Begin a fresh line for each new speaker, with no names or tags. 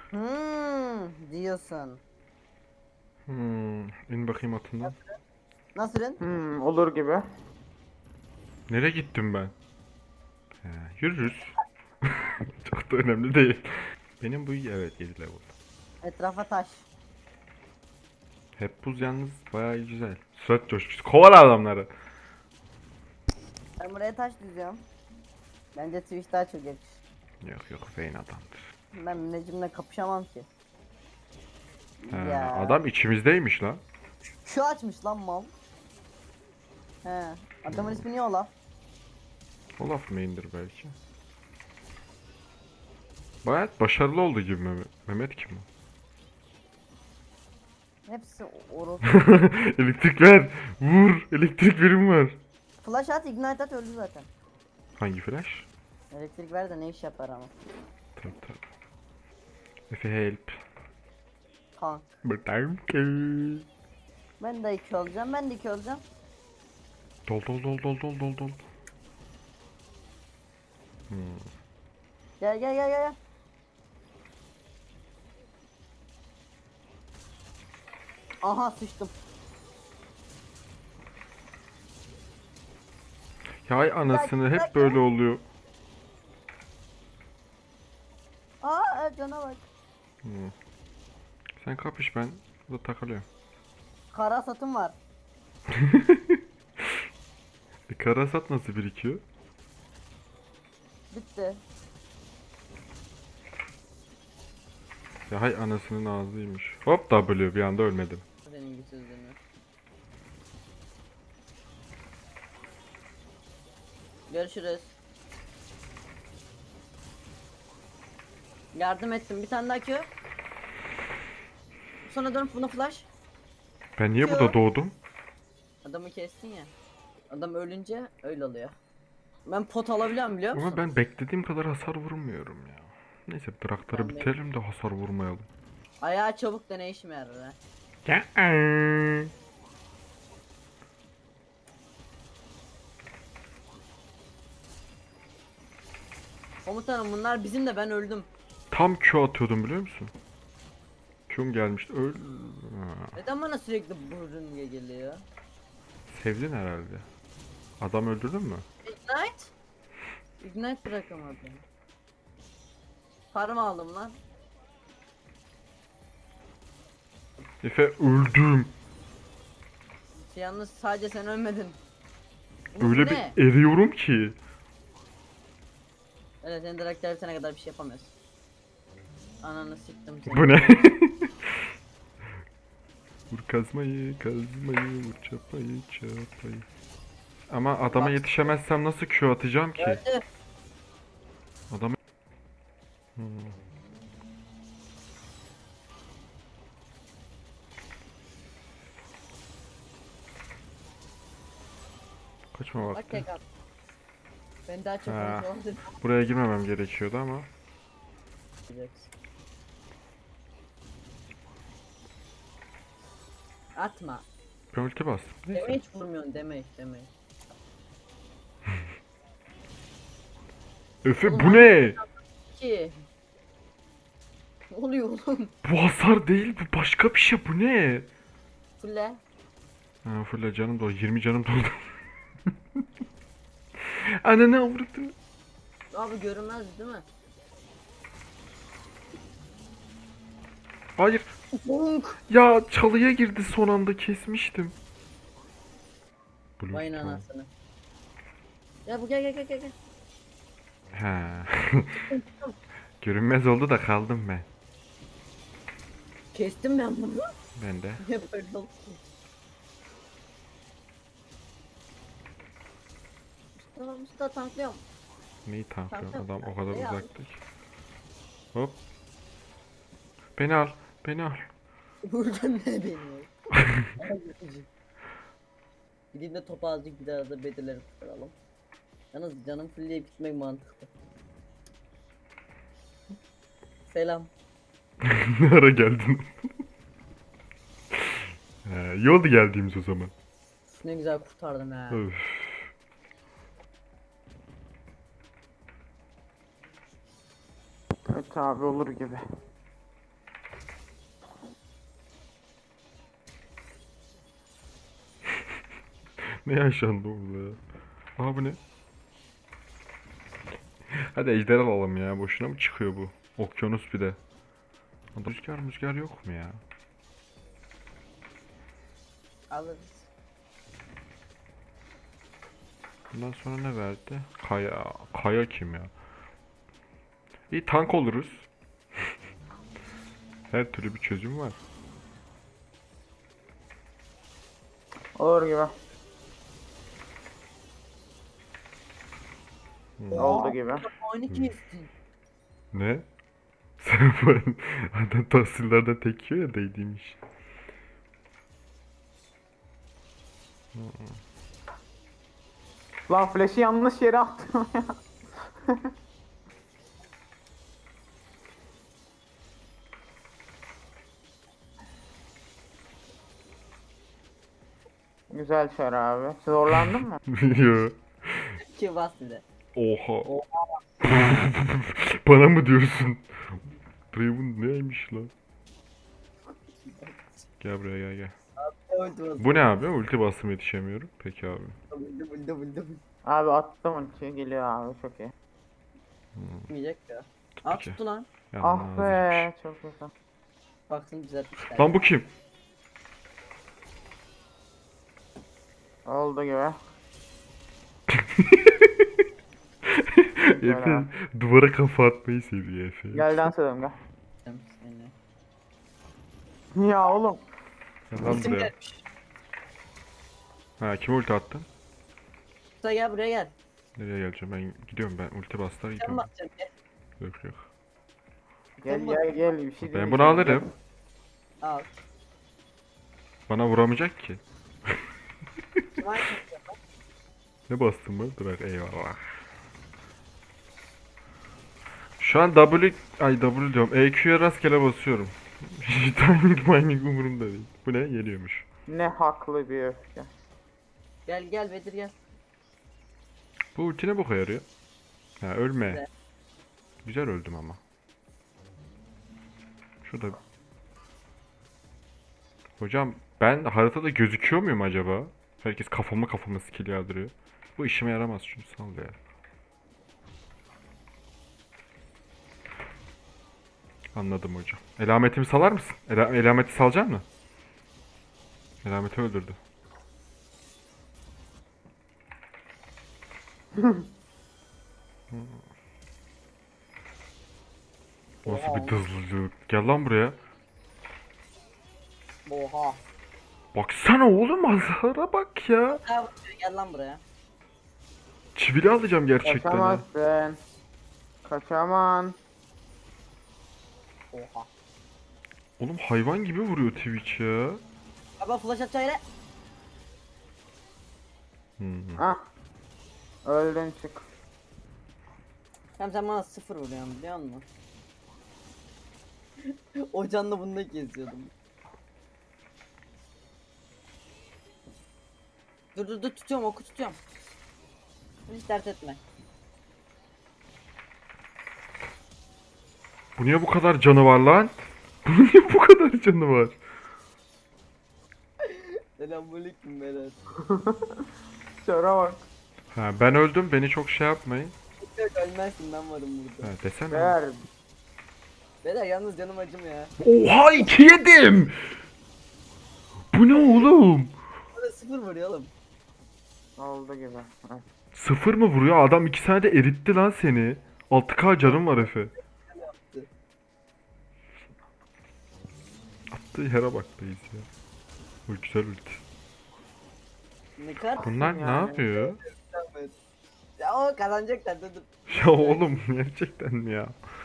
Diyorsun.
İn bakayım atından.
Nasılın?
Olur gibi.
Nereye gittim ben? He, yürürüz. Çok da önemli değil. Benim bu evet 7 level.
Etrafa taş.
Hep buz yalnız bayağı güzel. Sürat coşkusu. Kovala adamları.
Ben buraya taş düzüyorum. Bence Twitch daha çok yakışır.
Yok yok Vayne adamdır.
Ben Necim'le kapışamam ki.
He,
Ya.
adam içimizdeymiş lan.
Şu açmış lan mal. He. Adamın ismi ne ola?
Olaf main'dir belki. Bayağı başarılı oldu gibi Mehmet. Mehmet kim o?
Hepsi orospu.
Elektrik ver. Vur. Elektrik verim var.
Flash at, ignite at, öldü zaten.
Hangi flash?
Elektrik ver de ne iş yapar ama.
Tabii tabii. Efe help.
Kank.
Buradayım ki.
Ben de 2 olacağım, ben de 2 olacağım.
Dol dol dol dol dol dol dol.
Gel gel gel gel. Aha sıçtım.
Ya ay anasını hep
dakika.
böyle oluyor.
Aa cana bak.
Sen kapış ben burada takılıyorum.
Kara satım var.
Karasat nasıl birikiyor?
Bitti.
Ya hay anasının ağzıymış. Hop W bir anda ölmedim.
Senin güçsüzlüğünü. Görüşürüz. Yardım ettim. Bir tane daha Q. Sonra dönüp buna flash.
Ben niye
Q.
burada doğdum?
Adamı kestin ya. Adam ölünce öyle oluyor. Ben pot alabiliyorum biliyor musun?
Ama ben beklediğim kadar hasar vurmuyorum ya. Neyse Draktar'ı
Ben de-
bitirelim de hasar vurmayalım.
Ayağı çabuk da ne işime yarar ha.
Ya.
Komutanım bunlar bizim de ben öldüm.
Tam Q atıyordum biliyor musun? Q'm gelmişti. Ha,
Neden bana sürekli burun geliyor?
sevdin herhalde. Adam öldürdün mü?
Ignite? Ignite bırakamadım. Farm aldım lan.
Efe öldüm.
Yalnız sadece sen ölmedin. Bu
Öyle
ne?
bir eriyorum ki.
Evet sen direkt bitene kadar bir şey yapamıyorsun. Ananı siktim seni.
Bu ne? Vur kazmayı, kazmayı, vur çapayı, çapayı. Ama adama
Bak.
yetişemezsem nasıl Q atacağım ki?
Öldü.
Adamı... Hmm. Kaçma
Bak
vakti.
tek at. Ben daha çok
Ha.
konuşamadım.
Buraya girmemem gerekiyordu ama.
Atma.
Ben ulti bastım.
Deme
Neyse.
hiç vurmuyorsun deme.
Efe
Oğlum,
bu ne?
Ki. Ne oluyor oğlum?
Bu hasar değil bu başka bir şey bu ne?
Fulle.
Ha full canım doldu 20 canım doldu. Ananı avradım.
Abi görünmez değil mi?
Hayır.
Bonk.
Ya çalıya girdi son anda kesmiştim.
Vay
Blue
anasını. Ya bu gel.
Ha. Görünmez oldu da kaldım ben.
Kestim ben bunu.
Ben de.
Niye böyle oldu ki? Mustafa tanklıyorum.
Neyi tanklıyorsun
Tamam,
adam o kadar
ne
uzakta ki. Hop. Beni al. Beni al.
Vurdun ne beni? Gideyim de topu azıcık bir daha da bedeleri kurtaralım. Yalnız canım fulleyip gitmek mantıklı. Selam.
Ne ara geldin? İyi oldu geldiğimiz o zaman.
Ne güzel kurtardım ha.
Öf.
Evet abi olur gibi.
Ne yaşandı orada ya? Aha bu ne? Hadi ejder alalım ya. Boşuna mı çıkıyor bu? Okyanus bir de. Rüzgar yok mu ya?
Alırız.
Bundan sonra ne verdi? Kaya. Kaya kim ya? İyi tank oluruz. Her türlü bir çözüm var.
Olur gibi. Oldu gibi.
Oyunu kestin.
Ne? Sen bu adam tahsillerden tek yiyor ya değdiğmiş.
Lan flash'i yanlış yere attım ya. Güzel çar abi. Zorlandın mı?
Yo.
Ki bas bir de.
Oha. Bana mı diyorsun? Draven neymiş lan? Gel buraya gel.
Ulti bas.
Bu ne abi? Ulti bastım yetişemiyorum. Peki abi.
Buldu.
Abi attım ultiyi geliyor abi çok iyi.
Yiyecek ya. Aa
Peki.
tuttu lan.
Ah
Yalnız
be çok güzel.
Baksın düzeltmişler.
Lan bu kim?
Oldu gibi.
Efe duvara kafa atmayı seviyor Efe.
Gel dans edelim gel.
Seni.
Ya oğlum.
Gel lan
İsim
buraya.
gelmiş.
Ha kime ulti attın?
Usta gel buraya gel.
Nereye geleceğim? Ben gidiyorum ben. Ulti bastılar
Sen
gidiyorum.
basacaksın gel.
Yok yok.
Gel gel gel bir şey
Ben
diyeceğim.
bunu alırım.
Al.
Bana vuramayacak ki.
Vay.
Ne bastın mı? Bırak eyvallah. Şu an W diyorum. EQ'ya rastgele basıyorum. Timing umurumda değil. Bu ne? Geliyormuş.
Ne haklı bir öfke.
Gel Bedir gel.
Bu ulti ne boka yarıyor? Ha ölme.
Güzel.
Güzel öldüm ama. Şurada. Hocam ben haritada gözüküyor muyum acaba? Herkes kafama skill yağdırıyor. Bu işime yaramaz çünkü sal ya. Anladım hocam. Elametimi salar mısın? Elameti salacak mı? Elameti öldürdü. Nasıl bir hızlılık? Gel lan buraya.
Oha.
Baksana oğlum azara bak ya.
Ha, gel lan buraya.
Çivili alacağım gerçekten ya.
Kaçamazsın. Kaçaman.
Oha.
Oğlum hayvan gibi vuruyor Twitch ya.
Baba flash atacak yere.
Ah. Öldün çık.
Sen bana 0 vuruyorsun biliyor musun? O canla bunu da geziyordum. Dur tutuyorum oku tutuyorum. Hiç dert etme.
Bu niye bu kadar canı var lan? Bunun niye bu kadar canı var?
Selamünaleyküm beyler.
Çara bak.
Ha ben öldüm beni çok şey yapmayın.
Yok ölmezsin ben varım burada.
Ha desene.
Ver.
Beyler yalnız canım acım ya.
Oha 2 yedim. Bu ne oğlum?
Bana 0 vuruyor oğlum.
Oldu gibi. Heh.
0 mı vuruyor? Adam 2 saniyede eritti lan seni. 6k canım var Efe. Attığı yere bak reis ya. Bu güzel ulti.
Ne kadar
Bunlar ne
Yani.
yapıyor?
Ya o kazanacaklar dur.
Ya oğlum gerçekten mi ya?